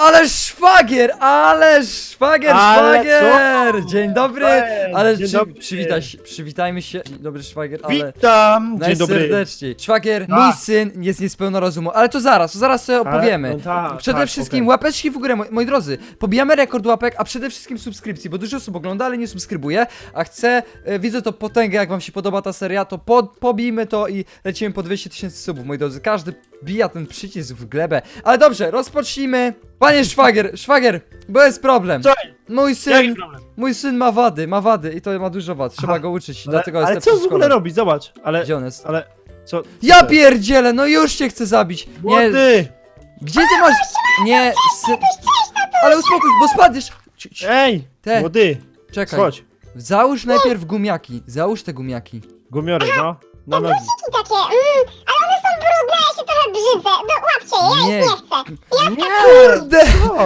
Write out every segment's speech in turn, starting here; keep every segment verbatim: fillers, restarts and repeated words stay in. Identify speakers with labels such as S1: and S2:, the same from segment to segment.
S1: Ale szwagier, ale szwagier,
S2: Ale
S1: szwagier!
S2: co?
S1: Dzień dobry,
S2: Cześć,
S1: ale
S2: dzień
S1: przy,
S2: dobry.
S1: przywitaj się, przywitajmy się. Dzień dobry szwagier, ale
S2: Witam! Dzień dobry.
S1: najserdeczniej. Szwagier,
S2: A.
S1: mój syn jest niespełna rozumu, ale to zaraz, to zaraz sobie
S2: Ale-
S1: opowiemy.
S2: no tak,
S1: Przede
S2: tak,
S1: wszystkim
S2: okej.
S1: łapeczki w górę, moi, moi drodzy. Pobijamy rekord łapek, a przede wszystkim subskrypcji, bo dużo osób ogląda, ale nie subskrybuje, a chcę, e, widzę to potęgę, jak wam się podoba ta seria, to pod, pobijmy to i lecimy po dwieście tysięcy subów, moi drodzy. Każdy bija ten przycisk w glebę. Ale dobrze, rozpocznijmy. Panie szwagier, szwagier, bo jest problem.
S2: Co?
S1: Mój syn,
S2: Jaki problem?
S1: mój syn ma wady, ma wady i to ma dużo wad, trzeba
S2: Aha.
S1: go uczyć,
S2: Ale,
S1: dlatego jest
S2: ale
S1: lepszy
S2: co
S1: w
S2: w ogóle
S1: szkole.
S2: robi? Zobacz, ale...
S1: Gdzie on jest?
S2: Ale... Co? co
S1: Ja
S2: to jest?
S1: pierdzielę, no już cię chcę zabić. Nie,
S2: Młody!
S1: gdzie ty masz... Nie, syn... Ale uspokój, bo spadniesz. Ci- ci-
S2: Ej!
S1: Te.
S2: Młody!
S1: Czekaj,
S2: Chodź.
S1: załóż najpierw gumiaki, załóż te gumiaki.
S2: Gumiory, no. Na nogi.
S3: takie, mm, ale one są brudne, ja się trochę brzydzę. No łapcie je,
S1: Nie.
S3: ja ich nie chcę.
S1: Kurde!
S2: O,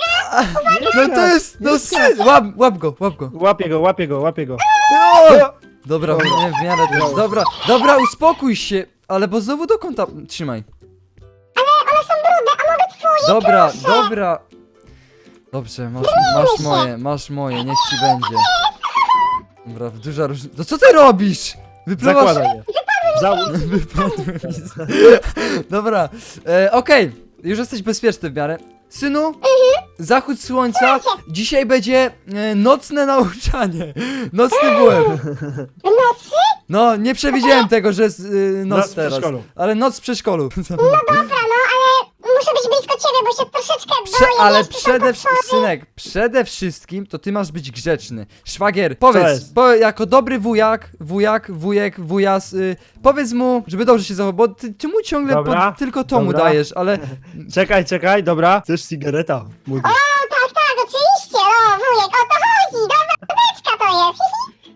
S1: No to jest, no syn, łap, łap go, łap go.
S2: łapię go, łapię go, łapię go.
S1: O! Dobra, nie, w miarę to jest. Dobra, dobra, uspokój się, ale bo znowu do kąta, trzymaj.
S3: One są brudne, a mogę twoje,
S1: Dobra,
S3: proszę.
S1: dobra. Dobrze, masz, masz moje, masz moje, niech ci będzie. Dobra, duża różnica. No co ty robisz? Wypluwasz...
S2: Zakładaj je. Załóż.
S1: Wypadłem mi z- Dobra, e, okej, już jesteś bezpieczny w miarę. Synu, zachód słońca, dzisiaj będzie e, nocne nauczanie. Nocny byłem.
S3: W nocy?
S1: No, nie przewidziałem tego, że jest e, noc
S2: Noc w
S1: teraz.
S2: przedszkolu.
S1: Ale noc w przedszkolu.
S3: Dobra, no ale muszę być blisko ciebie, bo się troszeczkę
S1: Prze
S3: boję.
S1: ale
S3: wiesz,
S1: przede
S3: tylko
S1: wszystkim, synek, przede wszystkim to ty masz być grzeczny. Szwagier, powiedz,
S2: jest?
S1: po, jako dobry wujak, wujak, wujek, wujas, y, powiedz mu, żeby dobrze się zachował, bo ty, ty mu ciągle
S2: Dobra,
S1: pod, tylko to mu
S2: dobra.
S1: dajesz, ale
S2: Czekaj, czekaj, dobra. Chcesz cigareta? Młody.
S3: O, tak, tak, oczywiście, no wujek, o to chodzi, dobra, wódeczka to jest.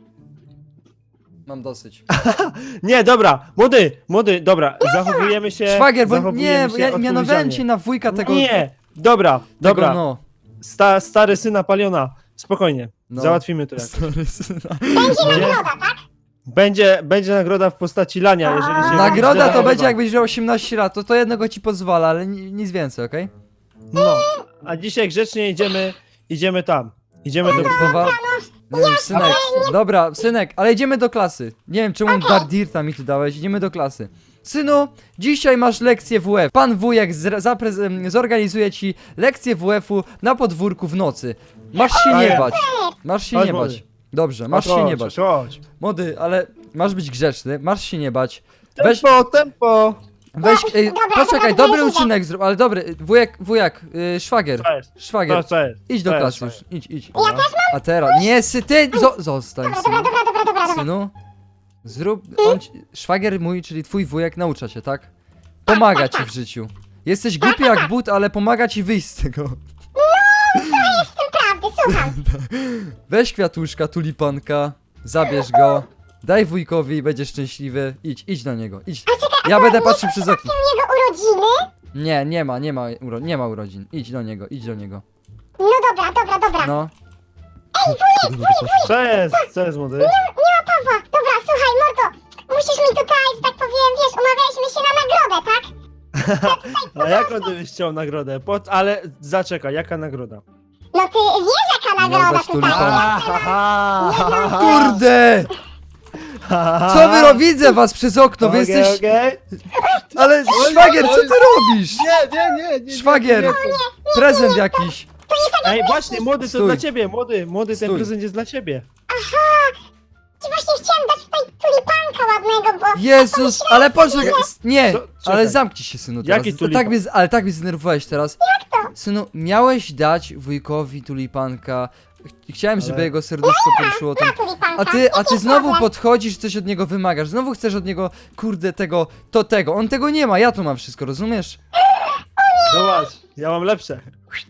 S1: mam dosyć.
S2: Nie, dobra. Młody, młody, dobra. Zachowujemy się...
S1: Szwagier, bo
S2: zachowujemy
S1: nie, bo
S2: się
S1: ja mianowałem
S2: odpowiedzialnie.
S1: cię na wujka tego,
S2: Nie, dobra,
S1: tego
S2: dobra.
S1: no.
S2: Sta, stary syna Paliona. Spokojnie.
S1: No.
S2: Załatwimy to jak.
S1: Sorry, syna.
S3: Będzie nagroda, tak?
S2: Będzie, będzie nagroda w postaci lania, jeżeli się...
S1: Nagroda to
S2: źle
S1: będzie
S2: zachowa.
S1: jakbyś miał osiemnaście lat, to to jednego ci pozwala, ale ni nic więcej, okej?
S2: No, a dzisiaj grzecznie idziemy, idziemy tam. Idziemy do...
S1: Powa... Nie wiem, synek, dobra, synek, ale idziemy do klasy. Nie wiem, czemu Dardirta mi tu dałeś, idziemy do klasy. Synu, dzisiaj masz lekcję W F. Pan wujek zre- zaprez- em, zorganizuje ci lekcję W F-u na podwórku w nocy. Masz się nie
S2: Ojej.
S1: bać. Masz się
S2: Chodź,
S1: nie
S2: młody.
S1: bać. Dobrze, masz
S2: Chodź,
S1: się nie bać.
S2: Chodź.
S1: Młody, ale masz być grzeczny, masz się nie bać. Weź,
S2: Tempo, tempo.
S1: weź, ej,
S3: Dobra,
S1: poczekaj,
S3: dobra,
S1: dobry
S3: dobra.
S1: uczynek zrób, ale dobry, wujek, wujek, y, szwagier,
S2: Co jest?
S1: szwagier.
S2: To co jest?
S1: Idź do
S2: To jest
S1: klasy
S2: fajne.
S1: już, idź, idź.
S3: Ja też mam?
S1: A teraz, nie, sy, ty, zo, zostań,
S3: Dobra,
S1: synu.
S3: dobra, dobra, dobra, dobra.
S1: Synu, zrób, on, ci- szwagier mój, czyli twój wujek naucza cię, tak? Pomaga ci w życiu. Jesteś głupi jak but, ale pomaga ci wyjść z tego.
S3: Jest w tym prawdy, słucham.
S1: Weź kwiatuszka, tulipanka, zabierz go, daj wujkowi i będziesz szczęśliwy. Idź, idź do niego, idź. Ja będę patrzył przez okno.
S3: Jego urodziny?
S1: Nie, nie ma, nie ma, uro, nie ma urodzin. Idź do niego, idź do niego.
S3: No dobra, dobra, dobra.
S1: No.
S2: Co jest? Co jest, młody?
S3: Nie ma Pawła. Dobra, słuchaj, mordo. Musisz mi tutaj, że tak powiem, wiesz, umawialiśmy się na nagrodę, tak?
S2: A jaką ty byś chciał nagrodę? Po, ale zaczekaj, jaka nagroda?
S3: No ty wiesz, jaka
S1: Miał
S3: nagroda
S1: dać
S3: tutaj
S1: tulipana.
S3: jest.
S1: Kurde! Co wy robicie? Widzę was przez okno, wy
S2: Okej,
S1: jesteś...
S2: okej.
S1: Ale szwagier, co ty robisz?
S2: Nie, nie, nie, nie.
S1: Szwagier,
S2: nie,
S1: prezent jakiś.
S2: nie. Ej, właśnie, młody, to
S1: Stój.
S2: dla ciebie, młody, młody, ten
S1: Stój.
S2: prezent jest dla ciebie.
S3: I właśnie chciałem dać tutaj tulipanka ładnego, bo...
S1: Jezus, ale poczekaj, s- nie,
S2: Co? Czekaj.
S1: ale zamknij się, synu, teraz.
S2: Jaki
S1: To
S2: tulipan?
S1: tak mnie, z- ale tak mnie zdenerwowałeś teraz. Jak to? Synu, miałeś dać wujkowi tulipanka. Ch- Chciałem, żeby
S2: Ale-
S1: jego serduszko poruszyło ten...
S3: Na tulipanka.
S1: A ty, a
S3: Jaki
S1: ty
S3: jest
S1: znowu
S3: problem?
S1: podchodzisz, coś od niego wymagasz, znowu chcesz od niego, kurde, tego, to tego. On tego nie ma, ja to mam wszystko, rozumiesz?
S2: Zobacz, ja mam lepsze.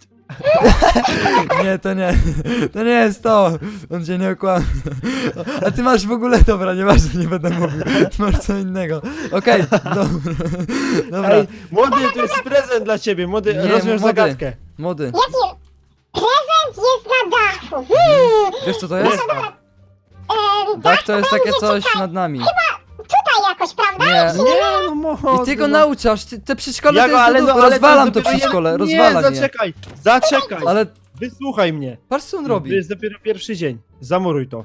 S1: Nie, to nie, to nie jest to. On cię nie okłamie. A ty masz w ogóle, dobra, nieważne, nie będę mówił. Ty masz co innego. Okej, dobra. Dobra,
S2: Ej, młody, to jest prezent dla ciebie, młody,
S1: Nie,
S2: rozwiąż
S1: młody.
S2: zagadkę.
S1: młody,
S3: Jaki prezent jest na dachu? Hmm,
S1: wiesz co to jest?
S2: Jest to.
S3: e,
S1: Dach to jest takie
S3: będzie
S1: coś
S3: tutaj,
S1: nad nami.
S3: tutaj jakoś, prawda?
S1: Nie.
S2: Nie, no mordo.
S1: I ty go
S2: no.
S1: nauczasz, ty, te przedszkole
S2: Ja
S1: to
S2: go,
S1: jest
S2: ale,
S1: do
S2: no,
S1: dupy,
S2: ale
S1: rozwalam
S2: jest
S1: to
S2: dopiero
S1: przedszkole,
S2: jeden-
S1: rozwala
S2: Nie,
S1: je.
S2: zaczekaj, zaczekaj.
S1: Ale
S2: Wysłuchaj mnie.
S1: patrz co on
S2: To
S1: robi.
S2: jest dopiero pierwszy dzień. Zamuruj to.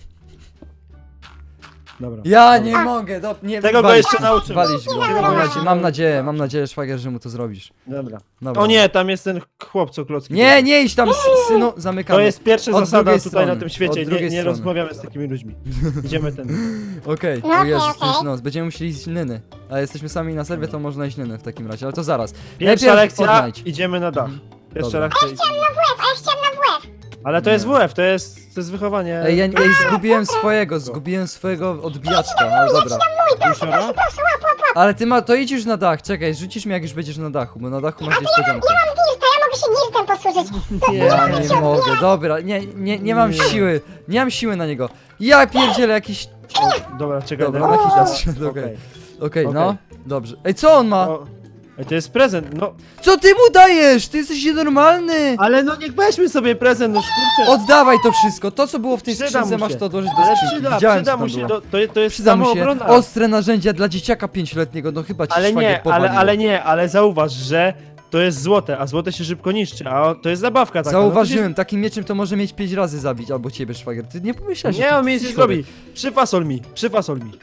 S2: Dobra.
S1: Ja nie mogę, do, nie
S2: Tego go
S1: walić
S2: jeszcze
S1: go,
S2: nauczymy.
S1: Walić go,
S2: Tego
S1: mam
S2: go
S1: nadzieję, mam nadzieję, mam nadzieję, szwagier, że mu to zrobisz.
S2: Dobra.
S1: Dobra.
S2: O nie, tam jest ten chłop, co klocki.
S1: Nie, nie idź tam, s- synu, zamykamy.
S2: To jest pierwsza
S1: Od
S2: zasada
S1: drugiej
S2: tutaj
S1: strony.
S2: na tym świecie.
S1: Od
S2: Nie,
S1: drugiej
S2: nie
S1: strony.
S2: rozmawiamy z takimi ludźmi. Idziemy ten.
S1: Okej,
S3: No,
S1: o Jezus,
S3: okej,
S1: to już
S3: okej.
S1: noc, będziemy musieli iść Nyny. A jesteśmy sami na serwie, to można iść Nyny w takim razie, ale to zaraz.
S2: Pierwsza
S1: Najpierw
S2: lekcja,
S1: Fortnite.
S2: idziemy na dach. Pierwsza
S1: Dobra.
S2: lekcja.
S3: W F, a ja chciałam na W F.
S2: Ale to jest W F, to jest, to jest wychowanie.
S1: Ej, ja, ej, zgubiłem swojego, zgubiłem swojego odbijaczka, ale dobra.
S2: Józiora?
S3: Proszę, łap, łap, łap.
S1: Ale ty ma, to idź już na dach, czekaj, rzucisz mnie jak już będziesz na dachu, bo na dachu masz niespodziankę.
S3: Ja mam dirta, ja mogę się dirtem posłużyć. To,
S1: Ja nie mogę, dobra, nie, nie, nie mam
S2: Nie.
S1: siły, nie mam siły na niego. Ja pierdzielę jakiś...
S2: Dobra, czekaj.
S1: Dobra,
S2: daj-
S1: na hita
S2: O,
S1: zszedł, okej.
S2: okej.
S1: Okej,
S2: Okej.
S1: no, dobrze. Ej, co on ma?
S2: O, Ej, to jest prezent, no.
S1: Co ty mu dajesz? Ty jesteś nienormalny!
S2: Ale no niech weźmy sobie prezent, no szkurczę.
S1: Oddawaj to wszystko, to co było w tej
S2: Przyda
S1: skrzynce
S2: mu
S1: masz
S2: się.
S1: to odłożyć do
S2: Ale
S1: skrzynki.
S2: przyda,
S1: Widziałem,
S2: przyda
S1: co
S2: mu
S1: tam
S2: się,
S1: było.
S2: to, to, to jest
S1: Przyda mu się
S2: samoobrona.
S1: ostre narzędzia dla dzieciaka pięcioletniego, no chyba ci
S2: Ale
S1: szwagier
S2: nie, ale,
S1: powaliło.
S2: ale nie, ale zauważ, że to jest złote, a złote się szybko niszczy, a o- to jest zabawka taka.
S1: Zauważyłem, takim mieczem to może mieć pięć razy zabić, albo ciebie szwagier. Ty nie
S2: No
S1: pomyślałeś,
S2: to się, nie, on mi nic nie zrobi. Przyfasol mi, przyfasol mi.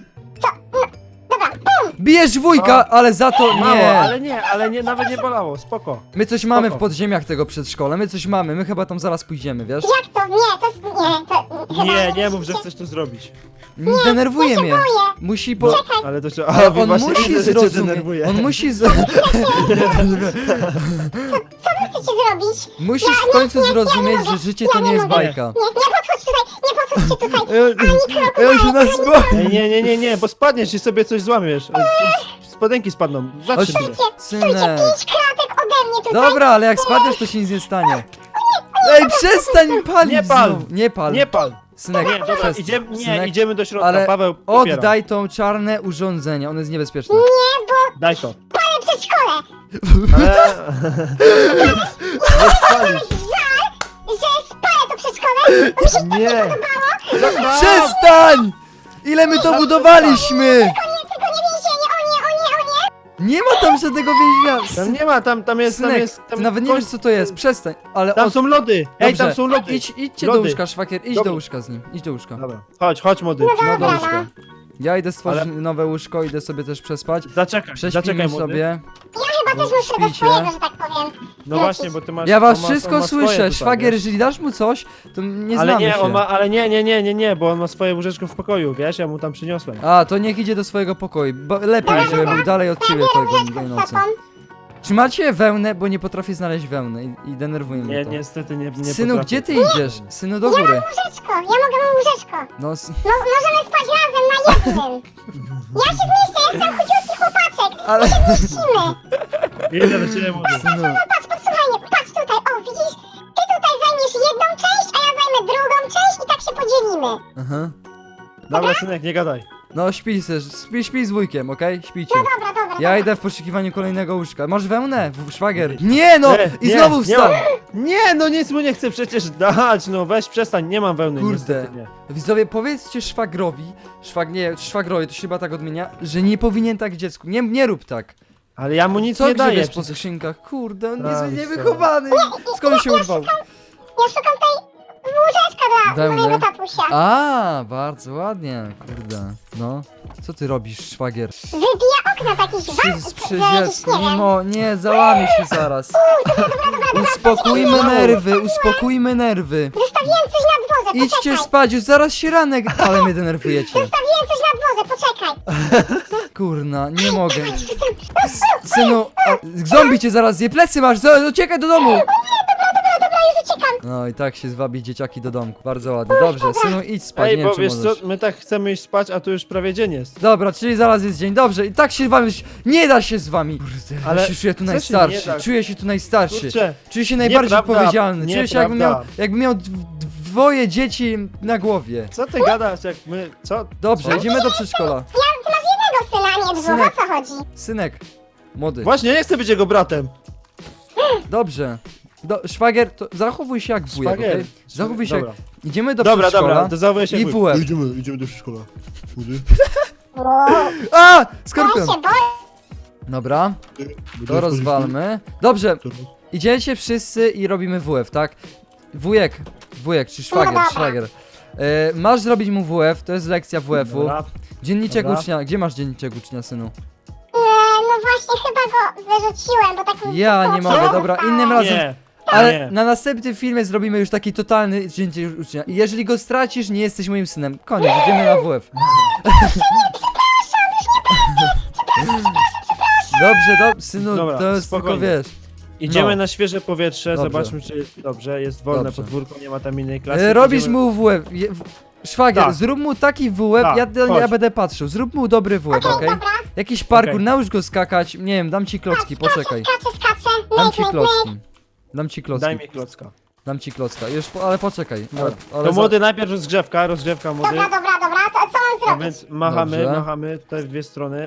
S1: Bijesz wujka, ale za to
S2: Mało,
S1: nie.
S2: ale nie, ale nie, nawet nie bolało, spoko.
S1: My coś mamy w
S2: spoko.
S1: podziemiach tego przedszkola, my coś mamy, my chyba tam zaraz pójdziemy, wiesz?
S3: Jak to? Nie, to jest... Nie, to... chyba
S2: Nie, nie mów,
S3: musicie-
S2: że chcesz to zrobić.
S1: Nie, denerwuje
S3: ja się
S1: mnie.
S3: boję.
S1: Musi po...
S2: Ale to się,
S1: Ale
S2: a,
S1: on
S2: właśnie
S1: musi
S2: widzę, że cię
S1: zrozumieć,
S2: denerwuje.
S1: on musi z...
S3: Co wy chcecie zrobić?
S1: Musisz w końcu zrozumieć, że życie to nie jest bajka.
S3: Nie, nie podchodź tutaj, nie podchodźcie tutaj.
S1: Ja, ja się nas boję.
S2: Ej, nie, nie, nie, nie, bo spadniesz i sobie coś złamiesz. E, Spodenki spadną, zatrzym się.
S3: Czujcie, czujcie
S1: Synek.
S3: pięć kratek ode mnie tutaj.
S1: Dobra, ale jak spadniesz, to się nic nie stanie. Ej, przestań palić
S2: Nie pal.
S1: znowu. Nie pal.
S2: Nie pal.
S1: Synek,
S2: Nie, dobra,
S1: przestań.
S2: idziemy, nie,
S1: Synek,
S2: idziemy do środka,
S1: ale
S2: Paweł, popiera.
S1: oddaj to czarne urządzenie, ono jest niebezpieczne.
S3: Nie, bo
S2: Daj to.
S3: palę przedszkole.
S2: Ale... Nie spalisz.
S3: Że spalę to przedszkole. Mi się
S2: Nie.
S1: Przestań! Ile my to budowaliśmy!
S3: nie, tylko nie więzienie, o nie, o nie, o nie.
S1: Nie ma tam żadnego więzienia.
S2: Tam nie ma, tam, tam jest, tam
S1: Synek,
S2: jest... Tam
S1: ty nawet nie wiesz co to jest, przestań. Ale
S2: Tam
S1: od...
S2: są lody. Ej,
S1: Dobrze,
S2: tam są lody.
S1: Idź, idźcie do
S2: Lody.
S1: łóżka, szwagier, idź
S2: Dobra.
S1: do łóżka z nim, idź do łóżka.
S2: Dobra, chodź, chodź młody.
S1: No do
S3: Dobra,
S1: łóżka. Ja idę stworzyć
S2: Ale-
S1: nowe łóżko, idę sobie też przespać.
S2: Zaczekaj, zaczekaj
S1: Prześpimy
S2: młody.
S1: sobie.
S3: Ja chyba też muszę do
S1: Śpicie.
S3: swojego, że tak powiem.
S2: No właśnie, bo ty masz...
S1: Ja was
S2: on ma-
S1: wszystko
S2: on ma swoje
S1: słyszę,
S2: tutaj,
S1: szwagier,
S2: wiesz?
S1: jeżeli dasz mu coś, to nie
S2: Ale
S1: znamy
S2: nie,
S1: się.
S2: on ma, ale nie, nie, nie, nie, nie, bo on ma swoje łóżeczko w pokoju, wiesz, ja mu tam przyniosłem.
S1: A, to niech idzie do swojego pokoju. Bo lepiej, żeby był dalej od ciebie tego tej
S3: Z
S1: nocy.
S3: sobą.
S1: Czy macie wełnę, bo nie potrafię znaleźć wełny i, i denerwuje mnie
S2: Nie,
S1: to.
S2: niestety nie, nie
S1: Synu,
S2: potrafię.
S1: gdzie ty idziesz? Synu, do
S3: Ja mam
S1: góry.
S3: łóżeczko, ja mogę mam łóżeczko.
S1: No, s-
S3: No, możemy spać razem na jednym. Ja się zmieszczę, jestem chudziutki chłopaczek.
S1: ale...
S3: Mieścimy.
S2: Idę do ciebie, młody.
S1: Synu,
S3: Patrz, posłuchaj mnie, patrz tutaj, o widzisz? Ty tutaj zajmiesz jedną część, a ja zajmę drugą część i tak się podzielimy.
S1: aha.
S2: Dobra, synek, nie gadaj.
S1: No, śpij se, śpi, śpi z wujkiem, okej? Śpijcie.
S3: Dobra, dobra,
S1: Ja
S3: dobra.
S1: idę w poszukiwaniu kolejnego łóżka. Masz wełnę, w- szwagier? Nie no!
S2: Nie,
S1: I
S2: nie,
S1: znowu
S2: nie
S1: wstał!
S2: mam. Nie, no nic mu nie chcę przecież dać, no weź przestań, nie mam wełny,
S1: Kurde.
S2: niestety nie.
S1: Widzowie, powiedzcie szwagrowi, szwag, nie, szwagrowi, to się chyba tak odmienia, że nie powinien tak dziecku. Nie, nie rób tak.
S2: Ale ja mu nic
S1: Co
S2: nie daję.
S1: grzebiesz po
S2: przecież.
S1: skrzynkach? Kurde, on
S2: Tak,
S1: jest
S2: co?
S1: niewychowany. Skąd się urwał?
S3: Ja szukam tej łóżeczka dla
S1: Wełny.
S3: mojego tatusia.
S1: A, bardzo ładnie, kurde. No, co ty robisz, szwagier?
S3: Wybija okna takiś
S1: Przy,
S3: wam,
S1: przy
S3: jakiś,
S1: dziecku,
S3: nie
S1: nie,
S3: wiem.
S1: mo, nie, załamie się zaraz. Uspokójmy nerwy, uspokójmy nerwy.
S3: Zostawiłem coś na dworze,
S1: Idźcie
S3: poczekaj.
S1: spać, już zaraz się ranek, ale mnie denerwujecie.
S3: Zostawiłem coś na dworze, poczekaj.
S1: Kurna, nie mogę. Synu, o, zombie cię zaraz zje, plecy masz, zo- uciekaj do domu.
S3: Dobra, już uciekam.
S1: No i tak się zwabi dzieciaki do domku, bardzo ładnie. Dobrze, synu, idź spać,
S2: Ej,
S1: nie
S2: bo
S1: wiem czy
S2: wiesz
S1: możesz.
S2: co, my tak chcemy iść spać, a tu już prawie dzień jest.
S1: Dobra, czyli zaraz jest dzień, dobrze, i tak się z wami, nie da się z wami. Kurde, ale
S2: Ale
S1: się czuję tu
S2: co się
S1: najstarszy,
S2: nie da?
S1: czuję się tu najstarszy.
S2: Kurczę,
S1: Czuję się najbardziej
S2: Nieprawda,
S1: odpowiedzialny, czuję się jakbym miał,
S2: nieprawda.
S1: jakbym miał dw- dwoje dzieci na głowie.
S2: co ty gadasz, jak my, co?
S1: Dobrze,
S2: Co?
S1: idziemy do przedszkola.
S3: Ja, ty masz jednego syna, a nie dwóch,
S1: Synek.
S3: o co chodzi?
S1: Synek, młody,
S2: Właśnie, nie chcę być jego bratem.
S1: dobrze. Do, szwagier, to zachowuj się jak wujek,
S2: Szwagier.
S1: okej? Zachowuj się
S2: Dobra.
S1: jak... Idziemy do
S2: Dobra,
S1: przedszkola
S2: dobra, to zachowuję się
S1: i
S2: jak
S1: W F.
S2: Idziemy, idziemy do przedszkola. Młody.
S3: O,
S1: A!
S3: ja
S1: Skorpion!
S3: się boję.
S1: Dobra, to rozwalmy. Dobrze, idziecie wszyscy i robimy W F, tak? Wujek, wujek, czy szwagier,
S3: dobra.
S1: szwagier. E, masz zrobić mu W F, to jest lekcja W F-u.
S2: Dobra.
S1: Dzienniczek
S2: Dobra.
S1: ucznia, gdzie masz dzienniczek ucznia, synu?
S3: E, no właśnie, chyba go wyrzuciłem, bo tak mi
S1: Ja nie
S3: wyskoczył.
S1: mogę, dobra, innym razem.
S2: Nie,
S1: Ale
S2: nie.
S1: na następnym filmie zrobimy już taki totalny dzienniczek ucznia. I jeżeli go stracisz, nie jesteś moim synem. Koniec, idziemy na W F. Dobrze, dobrze, synu,
S2: Dobra,
S1: to jest tylko,
S2: spokojnie.
S1: wiesz.
S2: Idziemy
S1: No.
S2: na świeże powietrze,
S1: Dobrze.
S2: zobaczmy czy jest dobrze, jest wolne
S1: Dobrze.
S2: podwórko, nie ma tam innej klasy.
S1: E, robisz
S2: Idziemy-
S1: mu W F. Je- w- Szwagier,
S2: Tak.
S1: zrób mu taki W F,
S2: Tak,
S1: ja, ja
S2: chodź.
S1: będę patrzył. Zrób mu dobry W F,
S3: Okej,
S1: okej?
S3: dobra.
S1: Jakiś parkour,
S2: Okej.
S1: naucz go skakać. Nie wiem, dam ci klocki, poczekaj.
S3: Skaczę, skaczę.
S1: Dam
S3: Myk,
S1: ci
S3: myk, myk.
S1: klocki. Dam ci klocki.
S2: Daj mi klocka.
S1: Dam ci klocka. Już, po, ale poczekaj. Ale,
S2: Dobra.
S1: ale
S2: To
S1: za-
S2: młody najpierw rozgrzewka, rozgrzewka młody.
S3: Dobra, dobra, dobra, to co mam
S2: A
S3: zrobić?
S2: więc machamy,
S1: Dobrze.
S2: machamy tutaj w dwie strony.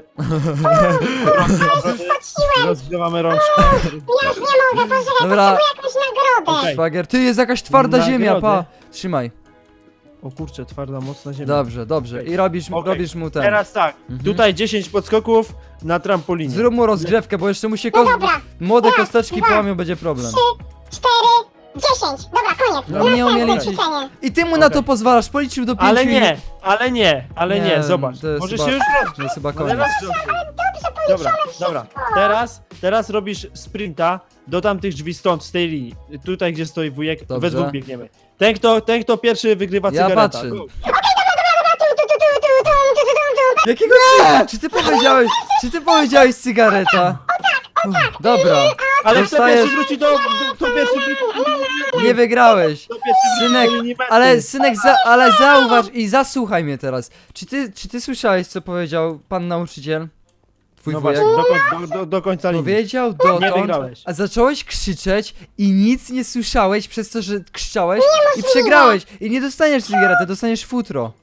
S3: Skoczyłem,
S2: Rozgrzewamy rączkę.
S3: ja już nie mogę, poczekaj,
S1: Dobra.
S3: potrzebuję jakąś nagrodę.
S2: Okej.
S1: Szwagier, ty jest jakaś twarda
S2: Nagrody.
S1: ziemia, pa. Trzymaj.
S2: O kurczę, twarda, mocna ziemia.
S1: Dobrze, dobrze.
S2: Okej.
S1: I robisz, mu-
S2: Okej.
S1: robisz mu ten.
S2: Teraz tak,
S1: Mhm.
S2: tutaj dziesięć podskoków na trampolinie.
S1: Zrób mu rozgrzewkę, bo jeszcze mu się
S3: No
S1: kos...
S3: dobra,
S1: młode
S3: raz,
S1: kosteczki
S3: dwa,
S1: połamią, będzie problem.
S3: trzy, cztery, dziesięć. Dobra, koniec.
S1: No nie umie
S3: Następne
S1: liczyć.
S3: ćwiczenie.
S1: I ty mu na
S2: Okej.
S1: to pozwalasz, policzył do pięciu
S2: Ale
S1: i-
S2: nie, ale nie, ale nie,
S1: Nie,
S2: zobacz.
S1: to jest
S2: Możesz
S1: chyba-
S2: się już
S1: To
S2: rozgrzeć.
S1: jest chyba
S2: Ale
S1: koniec.
S2: rozgrzej.
S3: Dobrze
S2: Dobra,
S3: policzone
S2: dobra.
S3: wszystko.
S2: Teraz, teraz robisz sprinta do tamtych drzwi stąd, z tej linii. Tutaj, gdzie stoi wujek,
S1: Dobrze.
S2: we dwóch biegniemy. Ten kto, ten, kto pierwszy wygrywa
S1: Ja
S2: cygareta.
S1: patrzę.
S2: Go.
S3: Tu, tu, tu, tu, tu, tu, tu, tu, tu, tu.
S1: Jakiego cy... Czy ty powiedziałeś, czy ty powiedziałeś cygareta? Dobra,
S2: Ale kto
S1: Dostajesz-
S2: pierwszy wróci do, do, kto pierwszy wróci
S1: nie wygrałeś.
S2: kto pierwszy wróci
S1: Synek,
S2: do linii mety.
S1: ale synek, za, ale zauważ i zasłuchaj mnie teraz. Czy ty, czy ty słyszałeś, co powiedział pan nauczyciel? Twój
S2: No
S1: wujek?
S2: właśnie, do, koń- do, do, do końca linii.
S1: Powiedział
S2: Nie
S1: dotąd,
S2: wygrałeś.
S1: a zacząłeś krzyczeć i nic nie słyszałeś przez to, że krzyczałeś i przegrałeś. I nie dostaniesz cygarety, dostaniesz futro.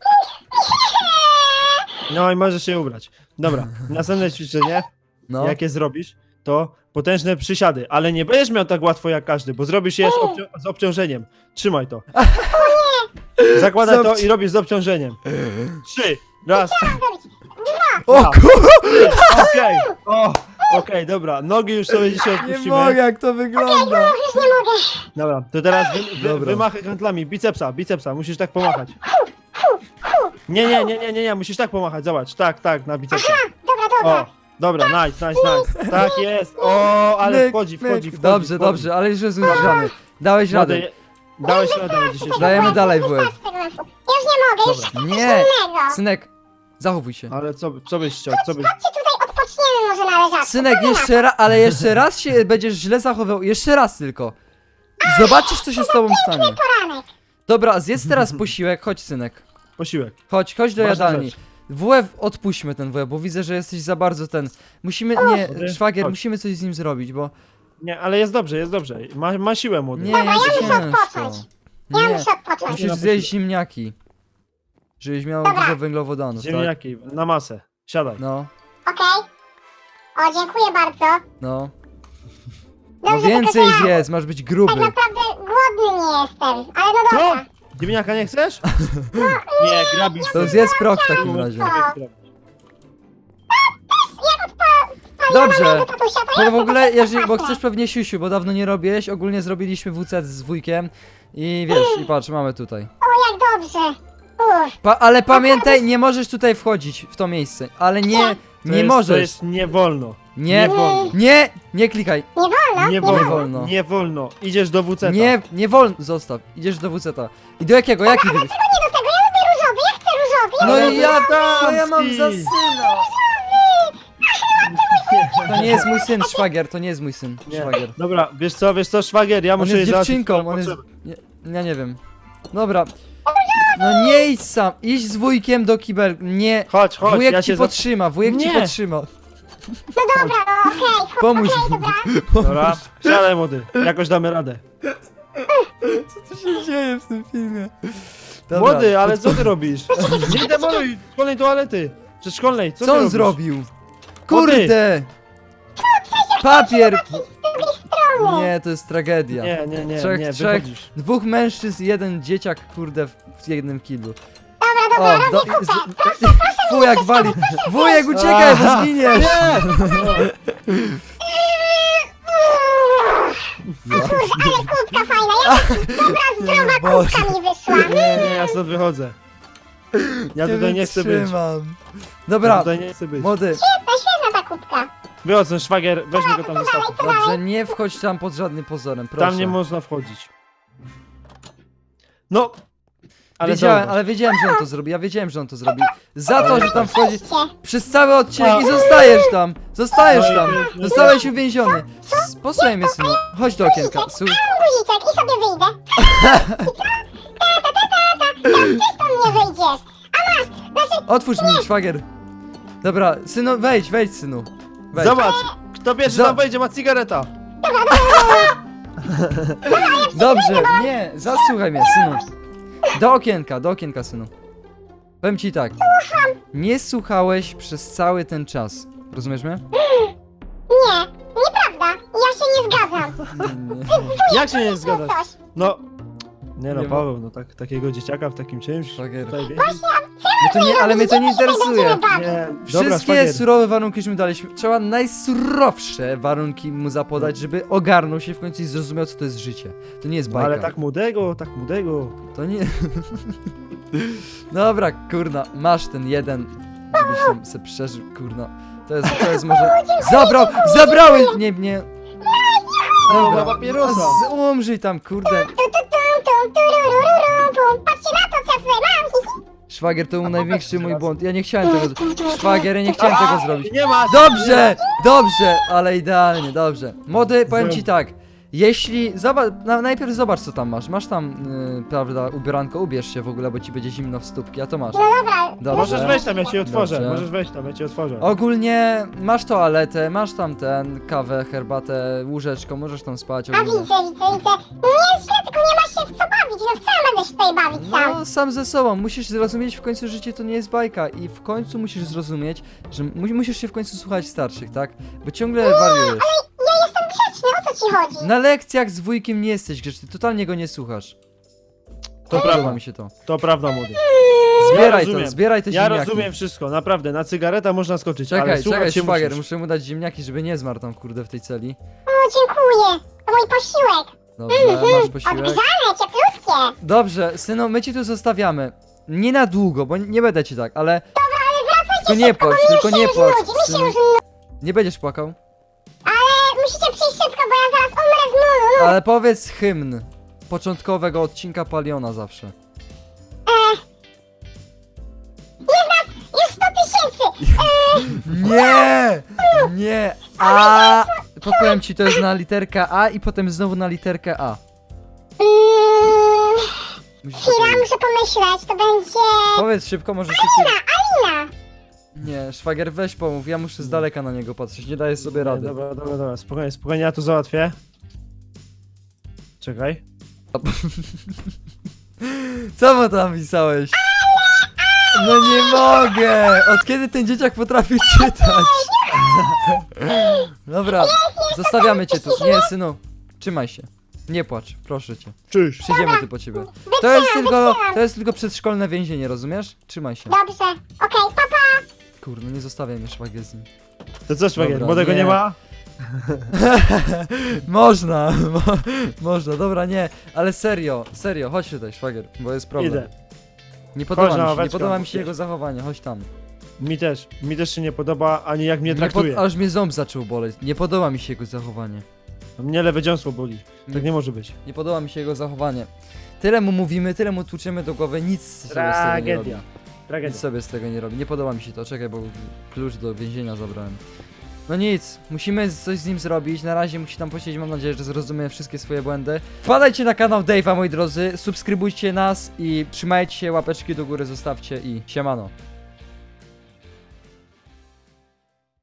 S2: No i możesz się ubrać. Dobra, następne ćwiczenie,
S1: No.
S2: jakie zrobisz, to potężne przysiady, ale nie będziesz miał tak łatwo jak każdy, bo zrobisz je z, obcią z obciążeniem. Trzymaj to. Zakładaj
S1: Z
S2: to
S1: obci-
S2: i robisz z obciążeniem. Trzy, raz,
S1: O
S2: dwa.
S1: kur...
S2: okej, o, okej, dobra, nogi już sobie dzisiaj
S1: Nie
S2: odpuścimy.
S1: mogę, jak to wygląda.
S3: Już nie mogę.
S2: Dobra, to teraz wy, wy,
S1: Dobra.
S2: wymachy handlami, bicepsa, bicepsa, musisz tak pomachać. Nie, nie, nie, nie, nie, nie, musisz tak pomachać, zobacz, tak, tak, na bicepsa.
S3: Dobra, dobra.
S2: O, dobra, nice, nice, nice. Tak jest. O, ale
S1: Myk,
S2: wchodzi,
S1: myk.
S2: wchodzi, wchodzi.
S1: Dobrze,
S2: wchodzi.
S1: dobrze, ale już jest zgrzany. Dałeś radę.
S2: Młody, dałeś radę na dzisiejszy.
S1: Dajemy dalej, wujek.
S3: Wystarczy tego meczu. Ja już nie mogę, już
S2: Dobra.
S3: chcę coś
S1: Nie,
S3: innego.
S1: synek, zachowuj się.
S2: Ale co, co byś chciał, co byś...
S3: Chodźcie tutaj, odpoczniemy może na leżaczku.
S1: Synek,
S3: Co wy na to?
S1: jeszcze raz, ale jeszcze raz się będziesz źle zachowywał. Jeszcze raz tylko. Zobaczysz, co się z tobą stanie.
S3: Poranek.
S1: Dobra, zjedz teraz posiłek, chodź synek.
S2: Posiłek.
S1: Chodź, chodź do
S2: Ważna
S1: jadalni.
S2: rzecz.
S1: W F odpuśćmy ten W F, bo widzę, że jesteś za bardzo ten... Musimy, nie,
S2: Młody,
S1: szwagier,
S2: chodź.
S1: musimy coś z nim zrobić, bo...
S2: Nie, ale jest dobrze, jest dobrze. Ma, ma siłę, młody.
S1: Nie,
S3: Dobra,
S1: jest
S3: ja muszę
S1: ciężko.
S3: odpocząć. Ja
S1: Nie,
S3: muszę odpocząć.
S1: musisz zjeść ziemniaki. Żebyś miał
S3: Dobra.
S1: dużo węglowodanów, tak?
S2: Ziemniaki, na masę. Siadaj.
S1: No,
S3: Okej. O, dziękuję bardzo.
S1: no. No
S3: Dobrze,
S1: więcej
S3: tylko że ja
S1: zjedz, masz być gruby.
S3: tak naprawdę głodny nie jestem. Ale no
S2: Co?
S3: dobra.
S2: Ziemniaka nie chcesz? Nie, grabisz.
S1: To zjedz prok w takim razie.
S3: No.
S1: Dobrze.
S3: Tatusia, to
S1: Bo
S3: ja
S1: w ogóle,
S3: sobie
S1: jeżeli, bo
S3: zacznę.
S1: chcesz pewnie siusiu, bo dawno nie robiłeś, ogólnie zrobiliśmy W C z wujkiem i wiesz, i patrz, mamy tutaj.
S3: O, jak dobrze. Uff.
S1: Pa, ale pamiętaj, nie możesz tutaj wchodzić w to miejsce, ale nie,
S2: To
S1: nie
S2: jest, To
S1: możesz.
S2: jest nie wolno.
S1: Nie,
S2: Nie wolno.
S1: nie, nie klikaj.
S3: Nie wolno?
S2: Nie
S1: wolno.
S2: wolno. Nie wolno. Idziesz do W C.
S1: Nie, nie wolno, zostaw, idziesz do W C T. I do jakiego, jaki wybór?
S3: Nie do tego, ja lubię różowy, ja chcę różowy.
S1: No
S2: Ale
S1: i ja,
S2: to
S1: co ja mam
S2: damski.
S1: za syna? To nie jest mój syn, szwagier, to nie jest mój syn,
S2: Nie.
S1: szwagier.
S2: Dobra, wiesz co, wiesz co, szwagier, ja
S1: On
S2: muszę
S1: jest
S2: jej załatwić
S1: dziewczynką,
S2: swoją
S1: on jest...
S2: potrzebę.
S1: Nie, ja nie wiem. Dobra. No nie idź sam, idź z wujkiem do kibel, nie.
S2: Chodź, chodź,
S1: Wujek
S2: ja
S1: ci
S2: się za...
S1: podtrzyma, wujek ci
S2: Nie.
S1: podtrzyma.
S3: No dobra, no okej.
S1: Pomóż
S3: Okej,
S1: mu.
S3: dobra.
S2: Dobra, siadaj młody, jakoś damy radę.
S1: Co się dzieje w tym filmie? Dobra.
S2: Młody, ale co ty robisz? Nie demoluj szkolnej toalety. Czy szkolnej, co,
S1: Co
S2: ty
S1: on
S2: robisz?
S1: zrobił? Kurde! Papier!
S3: Z drugiej strony.
S1: Nie, to jest tragedia.
S2: Nie, nie, nie,
S1: Trzech-
S2: nie,
S1: trzech-
S2: wychodzisz.
S1: Dwóch mężczyzn, jeden dzieciak, kurde, w w jednym kiblu.
S3: Dobra, dobra,
S1: O,
S3: robię
S1: do,
S3: kupę.
S1: z,
S3: Proszę, proszę
S1: wujek
S3: mnie
S1: wali!
S3: przeszkadzać.
S1: Wujek, uciekaj, bo zginiesz!
S3: Kurwa, ale kubka fajna. Jakaś dobra, zdrowa
S1: Boże.
S3: kubka mi wyszła.
S2: Nie, nie, ja stąd wychodzę. Ja tutaj nie chcę być.
S1: wytrzymam.
S2: Ja
S1: Dobra,
S2: tutaj nie chcę być.
S1: młody,
S3: Świetna, świetna ta kubka.
S2: Wychodź, ten szwagier, weźmy go tam zostaw.
S1: dobrze, nie wchodź tam pod żadnym pozorem, proszę.
S2: Tam nie można wchodzić. No! Ale
S1: wiedziałem,
S2: dobra.
S1: ale wiedziałem, że on to zrobi, ja wiedziałem, że on to zrobi. Za to, że tam wchodzi
S3: Przejście.
S1: przez cały odcinek i
S2: No.
S1: zostajesz tam, zostajesz
S2: No i
S1: tam,
S2: pięknie.
S1: zostałeś uwięziony. S- Posłuchaj mnie, synu, chodź do okienka. Słu-
S3: Guziczek i sobie wyjdę. Ta, ta, ta, ta, ta. Teraz ty stąd nie wyjdziesz. A masz, znaczy,
S1: Otwórz mi, szwagier. Dobra, synu, wejdź, wejdź, synu. Wejdź.
S2: Zobacz! Kto pierwszy
S1: Za-
S2: tam wejdzie, ma cigareta!
S1: Dobrze, nie, zasłuchaj mnie, synu. Do okienka, do okienka, synu. Powiem ci tak. Nie słuchałeś przez cały ten czas. Rozumiesz mnie?
S3: nie, nieprawda. Ja się nie zgadzam.
S1: Nie.
S2: Jak się nie zgadzasz?
S3: Coś.
S2: No... Nie no,
S1: Nie ma-
S2: Paweł, no tak, takiego dzieciaka w takim czymś...
S1: Szwagier.
S2: tutaj wie-
S1: No to nie, ale mnie to nie interesuje.
S2: Nie, dobra,
S1: Wszystkie
S2: szwagier.
S1: surowe warunki, że mu daliśmy. Trzeba najsurowsze warunki mu zapodać, żeby ogarnął się w końcu i zrozumiał, co to jest życie. To nie jest
S2: No,
S1: bajka.
S2: ale tak młodego, tak młodego...
S1: To nie... Dobra, kurna, masz ten jeden, żebyś tam se przeżył, kurna. To jest, to jest może... Zabrał! Zabrały! Nie, nie...
S2: No, ma papierosa!
S1: Z- Umrzyj tam, kurde.
S3: Tu, tu, tum, tum, turururum, pum. Patrzcie na to, co ja tutaj mam.
S1: Szwagier, to był największy mój błąd. Ja nie chciałem tego zrobić. Szwagier, ja nie chciałem tego zrobić.
S2: Nie ma!
S1: Dobrze, dobrze, ale idealnie, dobrze. Młody, powiem ci tak. Jeśli, zobacz, na, najpierw zobacz co tam masz. Masz tam, yy, prawda, ubieranko, ubierz się w ogóle, bo ci będzie zimno w stópki, a to masz.
S3: No dobra,
S1: Dobrze.
S2: Możesz wejść tam, ja ci otworzę.
S1: Dobrze.
S2: Możesz wejść tam, ja ci otworzę.
S1: Ogólnie masz toaletę, masz tam ten, kawę, herbatę, łóżeczko, możesz tam spać
S3: a
S1: ogólnie.
S3: widzę, widzę, widzę. Nie jest źle, tylko nie ma się w co bawić. No w co ja będę się tutaj bawić sam?
S1: No, sam ze sobą. Musisz zrozumieć w końcu, że życie to nie jest bajka i w końcu musisz zrozumieć, że mu musisz się w końcu słuchać starszych, tak? Bo ciągle wariujesz.
S3: Ja jestem grzeczny, o co ci chodzi?
S1: Na lekcjach z wujkiem nie jesteś grzeczny, totalnie go nie słuchasz.
S2: To
S1: Podoba
S2: prawda,
S1: mi się to.
S2: to prawda, młody.
S1: Zbieraj
S2: rozumiem.
S1: to, zbieraj te
S2: Ja
S1: ziemniaki.
S2: rozumiem wszystko, naprawdę, na cygareta można skoczyć, ale
S1: Czekaj,
S2: słuchać
S1: czekaj,
S2: się
S1: szwagier,
S2: musisz.
S1: muszę mu dać ziemniaki, żeby nie zmarł tam, kurde, w tej celi.
S3: O, dziękuję. To mój posiłek.
S1: Dobrze, masz posiłek.
S3: Odgrzane, cieplutkie.
S1: Dobrze, synu, my ci tu zostawiamy. Nie na długo, bo nie będę ci tak, ale...
S3: Ale wracajcie
S1: Tylko nie
S3: szybko,
S1: płacz,
S3: bo mi
S1: tylko
S3: się
S1: nie
S3: już
S1: płacz,
S3: nudzi, mi się
S1: synu.
S3: już nudzi.
S1: Nie będziesz płakał.
S3: Ale musicie przyjść szybko, bo ja zaraz umrę z nudu.
S1: Ale powiedz hymn początkowego odcinka Paliona zawsze.
S3: Już sto tysięcy.
S1: Nie! Nie! A! Podpowiem ci, to jest na literkę A i potem znowu na literkę A.
S3: Mm,
S1: Musisz
S3: Chwila,
S1: powiedzieć.
S3: muszę pomyśleć, to będzie...
S1: Powiedz szybko, może szybciej.
S3: Alina.
S1: Nie, szwagier, weź pomów, ja muszę z daleka na niego patrzeć, nie daję sobie
S2: Nie,
S1: rady.
S2: Dobra, dobra, dobra, spokojnie, spokojnie, ja to załatwię. Czekaj.
S1: Co mu tam pisałeś? No nie mogę! Od kiedy ten dzieciak potrafi czytać? Dobra, zostawiamy cię tu. Nie, synu, trzymaj się. Nie płacz, proszę cię.
S2: Cześć.
S1: Przyjdziemy tu po ciebie. To jest tylko, to jest tylko przedszkolne więzienie, rozumiesz? Trzymaj się.
S3: Dobrze, okej, papa.
S1: Kurde, nie zostawiaj mnie, szwagier z nim.
S2: To co, szwagier,
S1: Dobra,
S2: młodego
S1: nie.
S2: nie ma?
S1: Można, mo, można, dobra, nie, ale serio, serio, chodź tutaj, szwagier, bo jest problem.
S2: Idę.
S1: Nie podoba
S2: Chodź na
S1: mi się, nie
S2: ławeczkę,
S1: podoba mi się
S2: wiesz.
S1: jego zachowanie, chodź tam.
S2: Mi też, mi też się nie podoba, ani jak mnie
S1: Nie pod,
S2: traktuje.
S1: aż mnie ząb zaczął boleć, nie podoba mi się jego zachowanie.
S2: Mnie lewe dziąsło boli.
S1: Nie.
S2: Tak nie może być.
S1: Nie podoba mi się jego zachowanie. Tyle mu mówimy, tyle mu tłuczymy do głowy, nic sobie z tego nie robi.
S2: Tragedia.
S1: Nic
S2: Tragedia.
S1: sobie z tego nie robi, nie podoba mi się to, czekaj, bo klucz do więzienia zabrałem. No nic, musimy coś z nim zrobić, na razie musi tam posiedzieć, mam nadzieję, że zrozumie wszystkie swoje błędy. Wpadajcie na kanał Dave'a, moi drodzy, subskrybujcie nas i trzymajcie się, łapeczki do góry zostawcie i siemano.